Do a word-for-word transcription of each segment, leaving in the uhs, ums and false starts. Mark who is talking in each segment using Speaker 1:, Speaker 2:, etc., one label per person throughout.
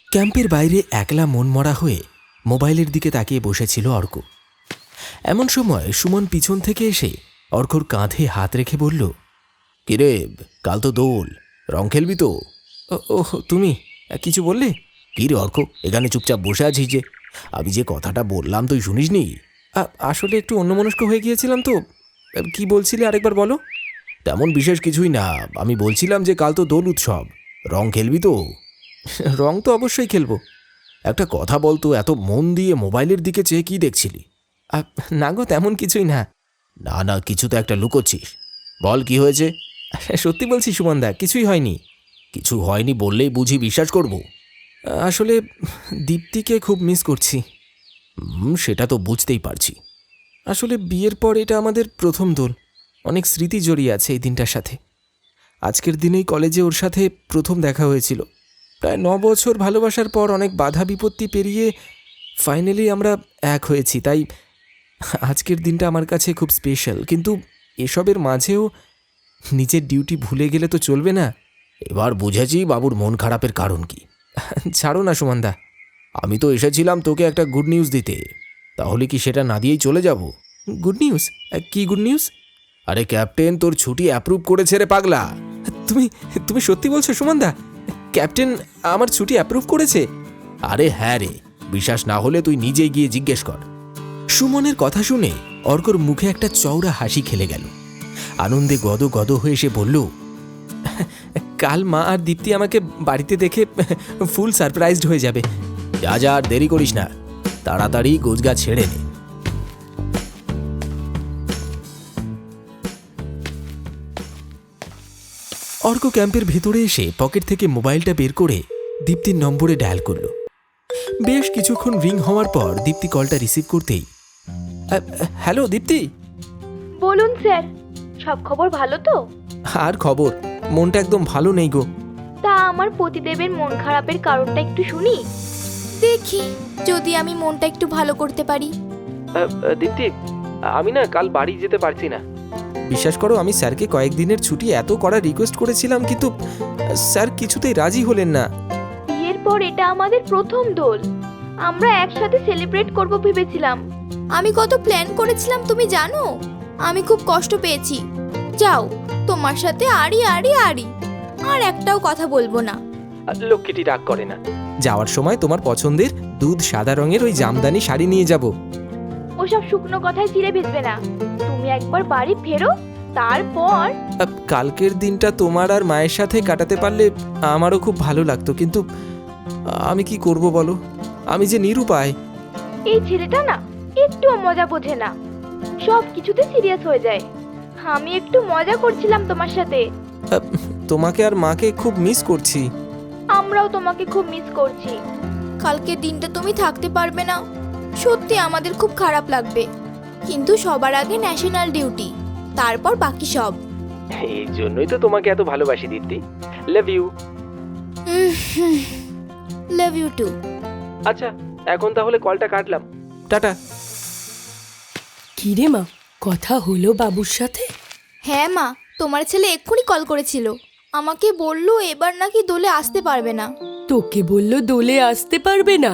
Speaker 1: ক্যাম্পের বাইরে একলা মনমরা হয়ে মোবাইলের দিকে তাকিয়ে বসেছিল অর্ক। এমন সময় সুমন পিছন থেকে এসে অর্কর কাঁধে হাত রেখে বলল, কিরে, কাল তো দোল, রং খেলবি তো? ওহ, তুমি কিছু বললে? কি রে অর্ক, এখানে চুপচাপ বসে আছিস যে? আমি যে কথাটা বললাম তুই শুনিসনি? আসলে একটু অন্যমনস্ক হয়ে গিয়েছিলাম তো। কি বলছিলে আরেকবার বলো। তেমন বিশেষ কিছুই না, আমি বলছিলাম যে কাল তো দোল উৎসব, রং খেলবি তো? রং তো অবশ্যই খেলবো। একটা কথা বলতো, এত মন দিয়ে মোবাইলের দিকে চেয়ে কি দেখছিলি? না গো, তেমন কিছুই না। না না, কিছু তো একটা লুকোচ্ছিস, বল কি হয়েছে? সত্যি বলছি সুমনদা, কিছুই হয়নি। কিছু হয়নি বললেই বুঝি বিশ্বাস করব? আসলে দীপ্তিকে খুব মিস করছি। হুম, সেটা তো বুঝতেই পারছি। আসলে বিয়ের পর এটা আমাদের প্রথম দোল, অনেক স্মৃতি জড়িয়ে আছে এই দিনটার সাথে। আজকের দিনেই কলেজে ওর সাথে প্রথম দেখা হয়েছিল। প্রায় ন বছর ভালোবাসার পর অনেক বাধা বিপত্তি পেরিয়ে ফাইনালি আমরা এক হয়েছি, তাই আজকের দিনটা আমার কাছে খুব স্পেশাল। কিন্তু এসবের মাঝেও নিজের ডিউটি ভুলে গেলে তো চলবে না। এবার বুঝেছি বাবুর মন খারাপের কারণ কি। ছাড়ো না সুমনদা, আমি তো এসেছিলাম তোকে একটা গুড নিউজ দিতে, তাহলে কি সেটা না দিয়েই চলে যাব? Good news? কি গুড নিউজ? আরে ক্যাপ্টেন তোর ছুটি অ্যাপ্রুভ করেছে রে পাগলা। তুমি তুমি সত্যি বলছো সুমনদা? ক্যাপ্টেন আমার ছুটি অ্যাপ্রুভ করেছে? আরে হ্যাঁ রে, বিশ্বাস না হলে তুই নিজেই গিয়ে জিজ্ঞেস কর। সুমনের কথা শুনে অর্কর মুখে একটা চওড়া হাসি খেলে গেল। আনন্দে গদ গদ হয়ে সে বলল, কাল মা আর দীপ্তি আমাকে বাড়িতে দেখে ফুল সারপ্রাইজড হয়ে যাবে। যা যা, আর দেরি করিস না, তাড়াতাড়ি গোছগাছ ছেড়ে নে। অর্ক ক্যাম্পের ভেতরে এসে পকেট থেকে মোবাইলটা বের করে দীপ্তির নম্বরে ডায়াল করল। বেশ কিছুক্ষণ রিং হওয়ার পর দীপ্তি কলটা রিসিভ করতেই, হ্যালো দীপ্তি।
Speaker 2: বলুন স্যার, সব খবর ভালো তো?
Speaker 1: আর খবর, মনটা একদম ভালো নেই গো।
Speaker 2: তা আমার পতিদেবের মন খারাপের কারণটা একটু শুনি, দেখি যদি আমি মনটা একটু ভালো করতে পারি।
Speaker 1: দীপ্তি, আমি না কাল বাড়ি যেতে পারছি না। বিশ্বাস করো, আমি স্যারকে কয়েকদিনের ছুটি এত করার রিকোয়েস্ট করেছিলাম, কিন্তু স্যার কিছুতেই রাজি হলেন না।
Speaker 2: বিয়ের পর এটা আমাদের প্রথম দোল, আমরা একসাথে সেলিব্রেট করব ভেবেছিলাম। আমি কত প্ল্যান করেছিলাম তুমি জানো? আমি খুব কষ্ট পেয়েছি। যাও, তোমার সাথে আড়ি আড়ি আড়ি, আর একটাও কথা বলবো না।
Speaker 1: লক্ষ্মীটি রাগ করে না। যাওয়ার সময় তোমার পছন্দের দুধ সাদা রঙের ওই জামদানি শাড়ি নিয়ে যাব।
Speaker 2: ওসব শুকনো কথায় চিড়ে ভেজবে না, তুমি একবার বাড়ি ফেরো, তারপর।
Speaker 1: কালকের দিনটা তোমার আর মায়ের সাথে কাটাতে পারলে আমারও খুব ভালো লাগতো, কিন্তু আমি কি করব বলো, আমি যে নিরুপায়।
Speaker 2: এই ছেলেটা না একটুও মজা বোঝে না, সব কিছুতে সিরিয়াস হয়ে যায়। আমি একটু মজা করছিলাম তোমার সাথে।
Speaker 1: তোমাকে আর মাকে খুব মিস করছি।
Speaker 2: আমরাও তোমাকে খুব মিস করছি। কালকের দিনটা তুমি থাকতে পারবে না, সত্যি আমাদের খুব খারাপ লাগবে, কিন্তু সবার আগে ন্যাশনাল ডিউটি, তারপর বাকি সব।
Speaker 1: এই জন্যই তো তোমাকে এত ভালোবাসি Dipti. Love you.
Speaker 2: Love you too.
Speaker 1: আচ্ছা, এখন তাহলে কলটা কাটলাম, টাটা।
Speaker 3: কি রে মা, কথা হলো বাবুর সাথে?
Speaker 2: হ্যাঁ মা, তোমার ছেলে এক্ষুনি কল করেছিল, আমাকে বললো এবার নাকি দোলে আসতে পারবে না।
Speaker 3: তোকে বললো দোলে আসতে পারবে না?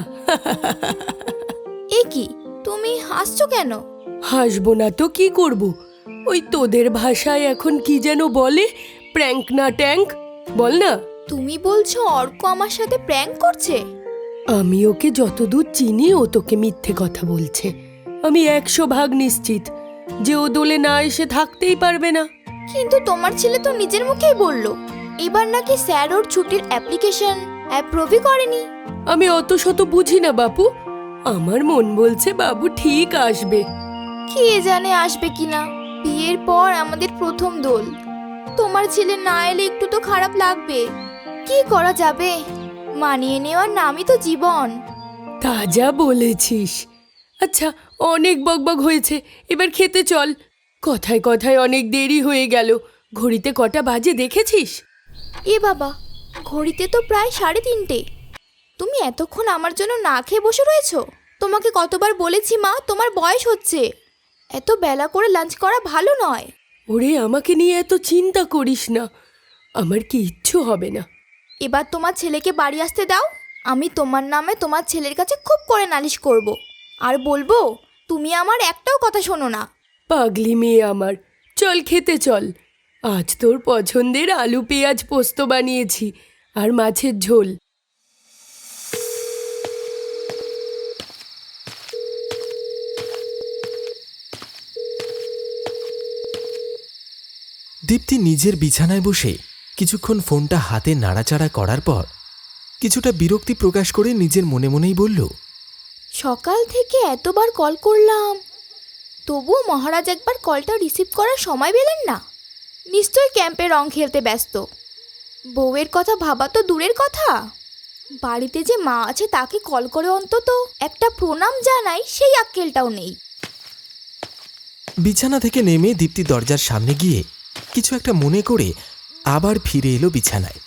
Speaker 2: এ কি, তুমি হাসছো কেন?
Speaker 3: হাসবো না তো কি করব, ওই তোদের ভাষায় এখন কি যেন বলে, প্র্যাঙ্ক না ট্যাঙ্ক, বল না।
Speaker 2: তুমি বলছো অর্ক আমার সাথে প্র্যাঙ্ক করছে?
Speaker 3: আমি ওকে যতদূর চিনি ও তোকে মিথ্যে কথা বলছে। আমি একশো ভাগ নিশ্চিত যে ও দোলে না এসে থাকতেই পারবে না।
Speaker 2: কিন্তু তোমার ছেলে তো নিজের মুখেই বললো এবার নাকি স্যার ওর ছুটির অ্যাপ্লিকেশন অ্যাপ্রুভই করেনি।
Speaker 3: আমি অত শত বুঝি না বাপু, আমার মন বলছে বাবু ঠিক আসবে।
Speaker 2: কে জানে আসবে কিনা, বিয়ের পর আমাদের প্রথম দোল, তোমার ছেলে না এলে একটু তো খারাপ লাগবে। কি করা যাবে, মানিয়ে নেওয়ার নামই তো জীবন।
Speaker 3: তা যা বলেছিস। আচ্ছা, অনেক বকবক হয়েছে, এবার খেতে চল। কথায় কথায় অনেক দেরি হয়ে গেল, ঘড়িতে কটা বাজে দেখেছিস?
Speaker 2: এ বাবা, ঘড়িতে তো প্রায় সাড়ে তিনটে। তুমি এতক্ষণ আমার জন্য না খেয়ে বসে রয়েছো? তোমাকে কতবার বলেছি মা, তোমার বয়স হচ্ছে, এত বেলা করে লাঞ্চ করা ভালো নয়।
Speaker 3: ওরে, আমাকে নিয়ে এত চিন্তা করিস না, আমার কি ইচ্ছু হবে না।
Speaker 2: এবার তোমার ছেলেকে বাড়ি আসতে দাও, আমি তোমার নামে তোমার ছেলের কাছে খুব করে নালিশ করব আর বলবো তুমি আমার একটাও কথা শোনো না।
Speaker 3: পাগলি মেয়ে আমার, চল খেতে চল। আজ তোর পছন্দের আলু পেঁয়াজ পোস্ত বানিয়েছি আর মাছের ঝোল।
Speaker 1: দীপ্তি নিজের বিছানায় বসে কিছুক্ষণ ফোনটা হাতে নাড়াচাড়া করার পর কিছুটা বিরক্তি প্রকাশ করে নিজের মনে মনেই বলল,
Speaker 2: সকাল থেকে এতবার কল করলাম, তবুও মহারাজ একবার কলটা রিসিভ করার সময় পেলেন না। নিশ্চয়ই ক্যাম্পে রং খেলতে ব্যস্ত। বউয়ের কথা ভাবা তো দূরের কথা, বাড়িতে যে মা আছে তাকে কল করে অন্তত একটা প্রণাম জানাই, সেই আক্কেলটাও নেই।
Speaker 1: বিছানা থেকে নেমে দীপ্তি দরজার সামনে গিয়ে কিছু একটা মনে করে আবার ফিরে এলো বিছানায়।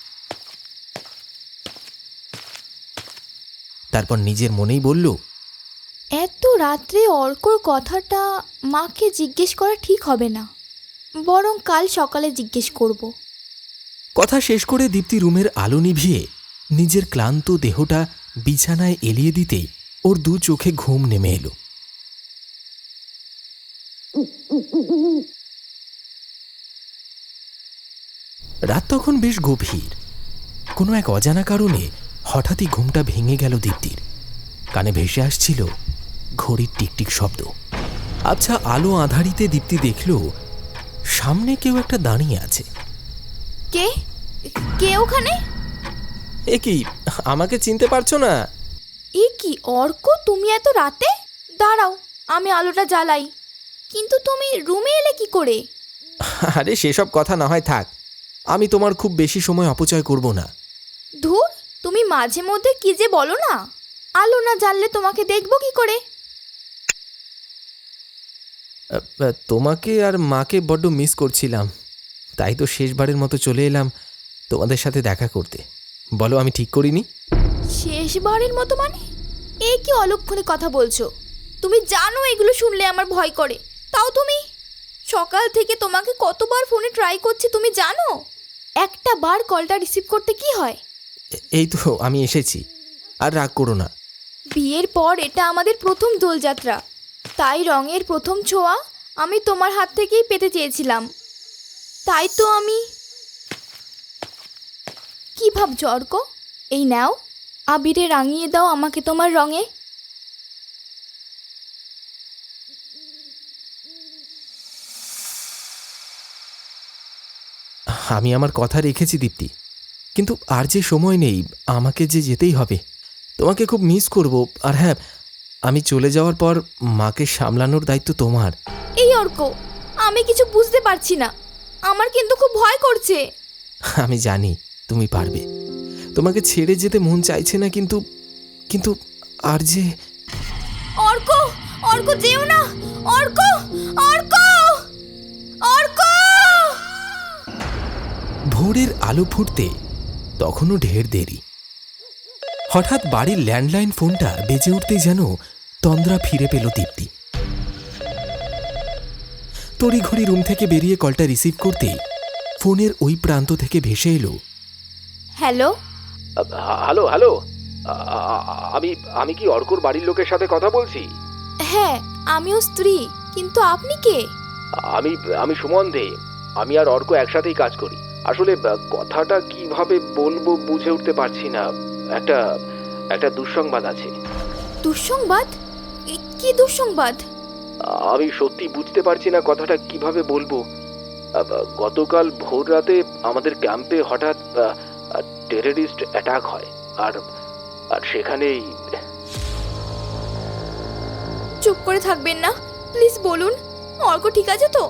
Speaker 1: তারপর নিজের মনেই বলল,
Speaker 2: এত রাত্রে অর্কর কথাটা মাকে জিজ্ঞেস করা ঠিক হবে না, বরং কাল সকালে জিজ্ঞেস করব।
Speaker 1: কথা শেষ করে দীপ্তি রুমের আলো নিভিয়ে নিজের ক্লান্ত দেহটা বিছানায় এলিয়ে দিতেই ওর দু চোখে ঘুম নেমে এলো। রাত তখন বেশ গভীর। কোনো এক অজানা কারণে হঠাৎই ঘুমটা ভেঙে গেল দীপ্তির। কানে ভেসে আসছিল ঘড়ির টিকটিক শব্দ। আচ্ছা, আলো আঁধারিতে দীপ্তি দেখল সামনে কেউ একটা দাঁড়িয়ে আছে।
Speaker 2: কে কে ওখানে?
Speaker 1: এ কি, আমাকে চিনতে পারছো না?
Speaker 2: এ কি অর্ক, তুমি এত রাতে? দাঁড়াও, আমি আলোটা জ্বালাই। কিন্তু তুমি রুমে এলে কি করে?
Speaker 1: আরে সেসব কথা না হয় থাক, আমি তোমার খুব বেশি সময় অপচয় করব না।
Speaker 2: ধুর, তুমি মাঝে মধ্যে কি যে বলো না। আলো না জ্বাললে তোমাকে দেখবো কি করে?
Speaker 1: তোমাকে আর মাকে বড্ড মিস করছিলাম, তাই তো শেষবারের মতো চলে এলাম তোমাদের সাথে দেখা করতে। বলো, আমি ঠিক করিনি?
Speaker 2: শেষবারের মতো মানে? এ কি অলক্ষণে কথা বলছো? তুমি জানো এগুলো শুনলে আমার ভয় করে, তাও তুমি? সকাল থেকে তোমাকে কতবার ফোনে ট্রাই করছি তুমি জানো? একটা বার কলটা রিসিভ করতে কি হয়?
Speaker 1: এই তো আমি এসেছি, আর রাগ করো না।
Speaker 2: বিয়ের পর এটা আমাদের প্রথম দোলযাত্রা, তাই রঙের প্রথম ছোঁয়া আমি তোমার হাত থেকেই পেতে চেয়েছিলাম। তাই তো আমি... কি ভাবছো অর্ক? এই নাও, আবিরে রাঙিয়ে দাও আমাকে তোমার রঙে।
Speaker 1: আমি আমার কথা রেখেছি দীপ্তি, কিন্তু আর যে সময় নেই, আমাকে যে যেতেই হবে। তোমাকে খুব মিস করব। আর হ্যাঁ, আমি চলে যাওয়ার পর মাকে সামলানোর দায়িত্ব তোমার।
Speaker 2: এই অর্ক, আমি কিছু বুঝতে পারছি না, আমার কিন্তু খুব ভয় করছে।
Speaker 1: আমি জানি তুমি পারবে, তোমাকে ছেড়ে যেতে মন চাইছে না, কিন্তু কিন্তু আর যে...
Speaker 2: অর্ক, অর্ক যেও না, অর্ক, অর্ক, অর্ক!
Speaker 1: ভোরের আলো ফুটতে তখনও ঢের দেরি। হঠাৎ বাড়ির ল্যান্ডলাইন ফোনটা বেজে উঠতেই যেন তন্দ্রা ফিরে পেল দীপ্তি। তড়িঘড়ি রুম থেকে বেরিয়ে কলটা রিসিভ করতেই ফোনের ওই প্রান্ত থেকে ভেসে এলো,
Speaker 2: হ্যালো।
Speaker 1: হ্যালো হ্যালো আমি আমি কি অর্কর বাড়ির লোকের সাথে কথা বলছি?
Speaker 2: হ্যাঁ, আমিও স্ত্রী, কিন্তু আপনি কে?
Speaker 1: আমি আমি সুমন দে। আমি আর অর্ক একসাথেই কাজ করি। আসলে কথাটা কিভাবে বলবো বুঝে উঠতে পারছি না। একটা একটা দুঃসংবাদ আছে।
Speaker 2: দুঃসংবাদ? এ- কি দুঃসংবাদ?
Speaker 1: আমি সত্যি বুঝতে পারছি না কথাটা কিভাবে বলবো। গতকাল ভোর রাতে আমাদের ক্যাম্পে হঠাৎ টেররিস্ট অ্যাটাক হয়, আর আর সেখানেই...
Speaker 2: চুপ করে থাকবেন না, প্লিজ বলুন। অর্ক ঠিক আছে তো?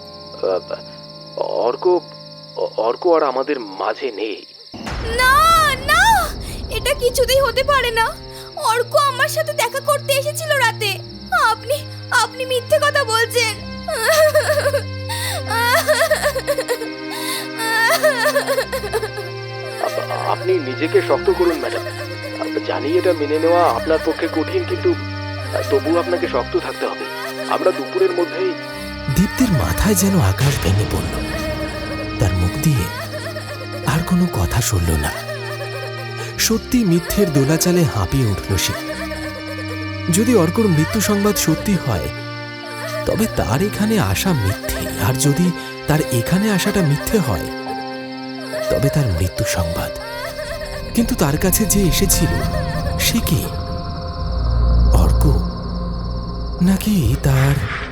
Speaker 1: অর্ক অর্ক আর আমাদের মাঝে নেই।
Speaker 2: না না, এটা কিছুতেই হতে পারে না। অর্ক আমার সাথে দেখা করতে এসেছিল রাতে। আপনি আপনি মিথ্যে কথা বলছেন।
Speaker 1: আপনি নিজেকে শক্ত করুন ম্যাডাম। জানি এটা মেনে নেওয়া আপনার পক্ষে কঠিন, কিন্তু তবু আপনাকে শক্ত থাকতে হবে। আমরা দুপুরের মধ্যেই... দীপ্তির মাথায় যেন আকাশ ভেঙে পড়ল। তার মুখ দিয়ে আর কোনো কথা শুনল না। সত্যি মিথ্যের দোলাচালে হাঁপিয়ে উঠল সে। যদি অর্কর মৃত্যু সংবাদ সত্যি হয় তবে তার এখানে আসা মিথ্যে, আর যদি তার এখানে আসাটা মিথ্যে হয় তবে তার মৃত্যু সংবাদ। কিন্তু তার কাছে যে এসেছিল সে কি? অর্ক নাকি তার